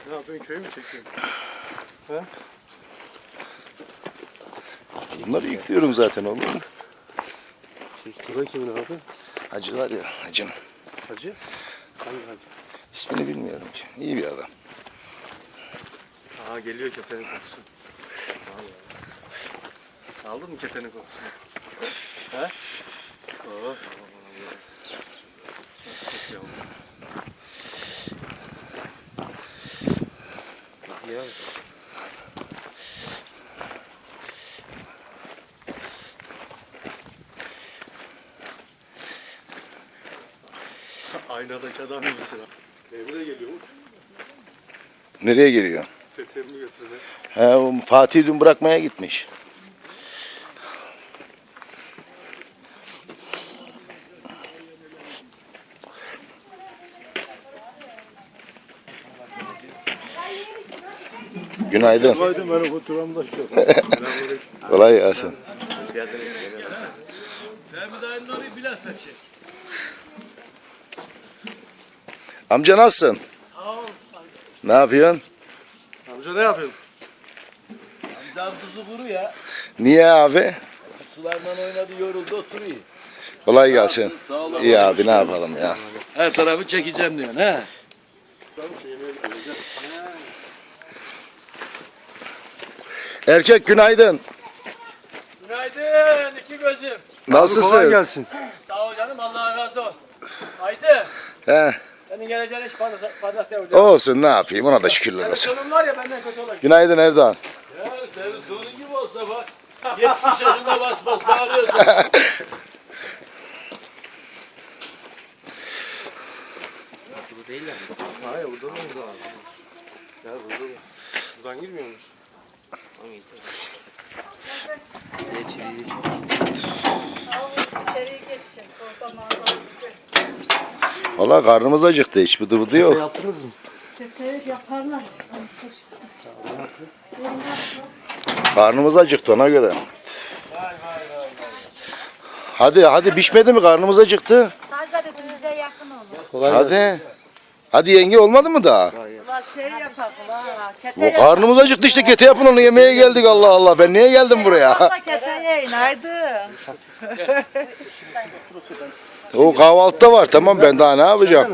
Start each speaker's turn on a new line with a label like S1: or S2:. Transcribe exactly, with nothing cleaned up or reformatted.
S1: Ne yapıyorsun, köy mü çekiyorsun? He?
S2: Bunları yüklüyorum zaten oğlum.
S1: Bu da kimin abi?
S2: Hacı var ya, hacım.
S1: Hacı? Hangi hacı?
S2: İsmini bilmiyorum ki. İyi bir adam.
S1: Aa geliyor ketenin kokusu. Vallahi. Aldın mı ketenin kokusunu? He? Oo. Nasıl kokuyor bu? Ya. Aynadaki adam gibisin ha. Emre geliyormuş.
S2: Nereye geliyor?
S1: Peteğimi götürmek.
S2: He, o Fatih dün bırakmaya gitmiş. Günaydın.
S1: Günaydın, ben oturamda şu.
S2: Kolay gelsin. Amca nasılsın? Ne yapıyorsun?
S1: Amca ne yapıyorsun?
S3: Amcam tuzu kuru ya.
S2: Niye abi?
S3: Sularla oynadı, yoruldu, oturuyor.
S2: Kolay gelsin.
S3: Sağ olun.
S2: İyi abi, ne yapalım ya.
S3: Her tarafı çekeceğim diyorsun he.
S2: Erkek günaydın.
S3: Günaydın iki gözüm.
S2: Nasılsın?
S1: Kolay gelsin.
S3: Sağ ol canım, Allah razı olsun. Haydi.
S2: He,
S3: Senin geleceğin hiç pazartesi olacak.
S2: olsun ne yapayım, ona da şükürler
S3: Senin
S2: olsun.
S3: sonun var ya benden kötü olacak.
S2: Günaydın Erdoğan.
S3: Ya senin sonun gibi olsa bak. yetmiş yaşında bas bas bağırıyorsun.
S1: Bu değil yani. Hayır, burada mı burada abi? Ya burada mı? Buradan girmiyor musun?
S4: İçeriye geçin. Orada manzara güzel.
S2: Valla karnımız acıktı, hiç bıdı bıdı yok.
S1: Yaptınız mı?
S4: Çöpleri yaparlar.
S2: Karnımız acıktı ona göre. Hadi hadi pişmedi mi, karnımız acıktı.
S4: Sadece dedim bize yakın olur.
S1: Kolay
S2: Hadi. Hadi yenge, olmadı mı daha?
S4: Ulan şey yapalım ha. Kete
S2: Bu karnımız acıktı işte, kete yapın onu, yemeğe geldik, Allah Allah. Ben niye geldim buraya?
S4: yapalım. Kete yiyin haydi.
S2: O kahvaltıda var, tamam, ben daha ne yapacağım?